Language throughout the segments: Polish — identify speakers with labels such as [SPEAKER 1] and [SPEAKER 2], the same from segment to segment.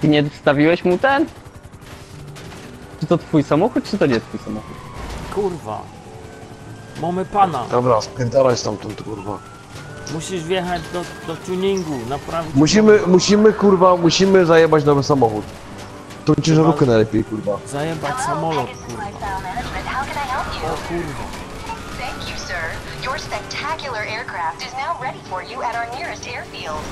[SPEAKER 1] Ty nie wstawiłeś mu ten? Czy to twój samochód, czy to nie twój samochód?
[SPEAKER 2] Kurwa. Mamy pana.
[SPEAKER 3] Dobra, spierdalaj stamtąd, kurwa.
[SPEAKER 2] Musisz wjechać do tuningu, naprawdę.
[SPEAKER 3] Musimy zajebać nowy samochód. Tą ciężarówkę najlepiej, kurwa.
[SPEAKER 2] Zajebać samolot, kurwa. O kurwa.
[SPEAKER 4] Thank you, sir. Your spectacular aircraft is now ready for you at our nearest airfield.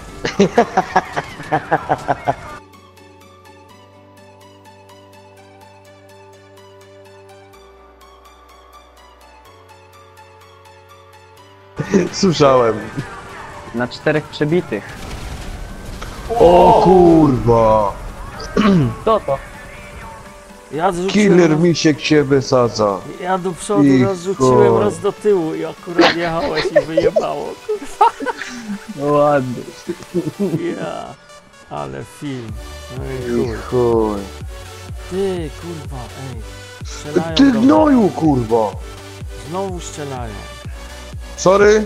[SPEAKER 3] Słyszałem.
[SPEAKER 1] Na 4 przebitych.
[SPEAKER 3] O kurwa.
[SPEAKER 1] Co to?
[SPEAKER 2] Ja zrzuciłem
[SPEAKER 3] Killer
[SPEAKER 2] raz,
[SPEAKER 3] misiek się wysadza.
[SPEAKER 2] ja do przodu
[SPEAKER 3] I
[SPEAKER 2] raz rzuciłem,
[SPEAKER 3] chuj.
[SPEAKER 2] raz do tyłu i akurat jechałeś i wyjebało, kurwa.
[SPEAKER 1] No ładnie.
[SPEAKER 2] Ja. Ale film. No i
[SPEAKER 3] I
[SPEAKER 2] chuj.
[SPEAKER 3] chuj.
[SPEAKER 2] Ty, kurwa, ej. Strzelają
[SPEAKER 3] Ty
[SPEAKER 2] do mnie.
[SPEAKER 3] gnoju, kurwa.
[SPEAKER 2] Znowu strzelają.
[SPEAKER 3] Sorry.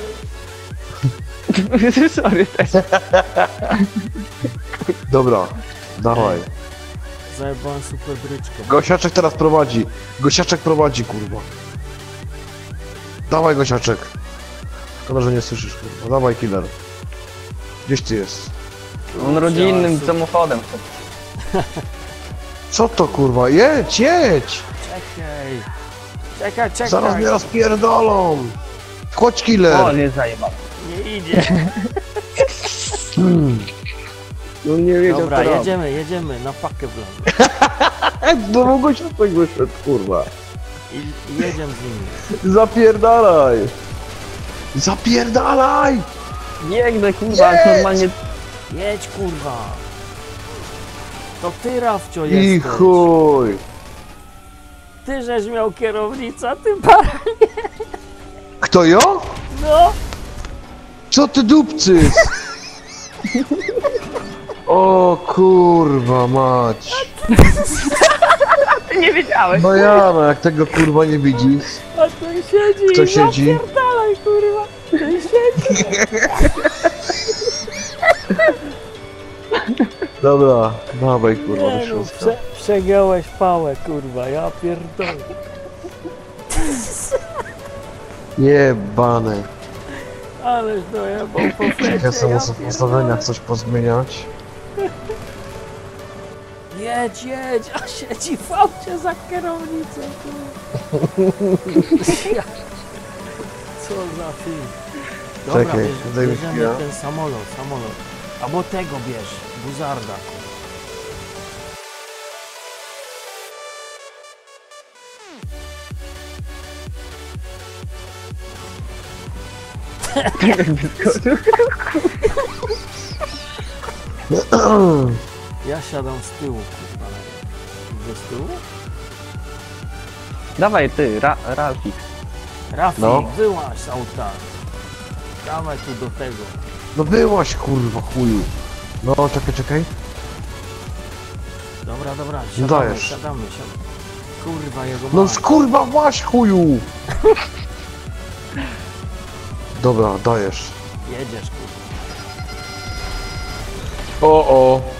[SPEAKER 1] Sorry też.
[SPEAKER 3] Dobra, dawaj.
[SPEAKER 2] Zajebałem super bryczkę.
[SPEAKER 3] Gosiaczek teraz prowadzi. Gosiaczek prowadzi, kurwa. Dawaj, Gosiaczek. Szkoda, że nie słyszysz, kurwa. Dawaj, killer. Gdzieś ty jest?
[SPEAKER 1] On rodzinnym samochodem.
[SPEAKER 3] Co to, kurwa? Jedź, jedź!
[SPEAKER 2] Czekaj. Czekaj, czekaj.
[SPEAKER 3] Zaraz mnie rozpierdolą. Chodź, killer.
[SPEAKER 1] O, nie zajebał.
[SPEAKER 2] Nie idzie.
[SPEAKER 1] No nie wiedział
[SPEAKER 2] Dobra,
[SPEAKER 1] co robi.
[SPEAKER 2] jedziemy na pakę wląd.
[SPEAKER 3] Znowu Gosiaczek wyszedł, kurwa.
[SPEAKER 2] I jedziemy z nimi.
[SPEAKER 3] Zapierdalaj. Zapierdalaj!
[SPEAKER 1] Biegnę kurwa,
[SPEAKER 3] Jedź!
[SPEAKER 1] normalnie.
[SPEAKER 2] Jedź, kurwa. To ty, Rafcio,
[SPEAKER 3] I
[SPEAKER 2] jesteś.
[SPEAKER 3] chuj.
[SPEAKER 2] Ty żeś miał kierownicę, a ty para.
[SPEAKER 3] Kto ja?
[SPEAKER 2] No.
[SPEAKER 3] Co ty dupcy? O kurwa mać.
[SPEAKER 1] Ty nie wiedziałeś.
[SPEAKER 3] No ja, no jak tego kurwa nie widzisz.
[SPEAKER 2] A ten siedzi.
[SPEAKER 3] Kto
[SPEAKER 2] i
[SPEAKER 3] siedzi?
[SPEAKER 2] Zapierdalaj, kurwa. Ten siedzi.
[SPEAKER 3] Dobra, dawaj kurwa do
[SPEAKER 2] Nie no,
[SPEAKER 3] środka.
[SPEAKER 2] przegiąłeś pałę, kurwa. Ja pierdolę.
[SPEAKER 3] Jebane.
[SPEAKER 2] Ależ dojebał po flecie.
[SPEAKER 3] Ja sobie muszę w
[SPEAKER 2] pierdolę.
[SPEAKER 3] ustawieniach coś pozmieniać.
[SPEAKER 2] Jedź, a siedzi w aucie za kierownicą, kurwa. Ja- Co za film. Dobra,
[SPEAKER 3] Czekaj, daj mi
[SPEAKER 2] bierzemy
[SPEAKER 3] chwilę.
[SPEAKER 2] ten samolot. Albo tego bierz, buzarda. Ja siadam z tyłu, kurwa. Idzie z tyłu?
[SPEAKER 1] Dawaj ty, Ralfik.
[SPEAKER 2] Rafik,
[SPEAKER 3] No.
[SPEAKER 2] wyłaź z auta. Dawaj tu do tego.
[SPEAKER 3] No byłaś kurwa chuju. No czekaj.
[SPEAKER 2] Dobra,
[SPEAKER 3] No
[SPEAKER 2] siadamy.
[SPEAKER 3] dajesz.
[SPEAKER 2] Kurwa, jego
[SPEAKER 3] No
[SPEAKER 2] mać.
[SPEAKER 3] kurwa właś chuju. Dobra, dajesz.
[SPEAKER 2] Jedziesz, kurwa.
[SPEAKER 3] O.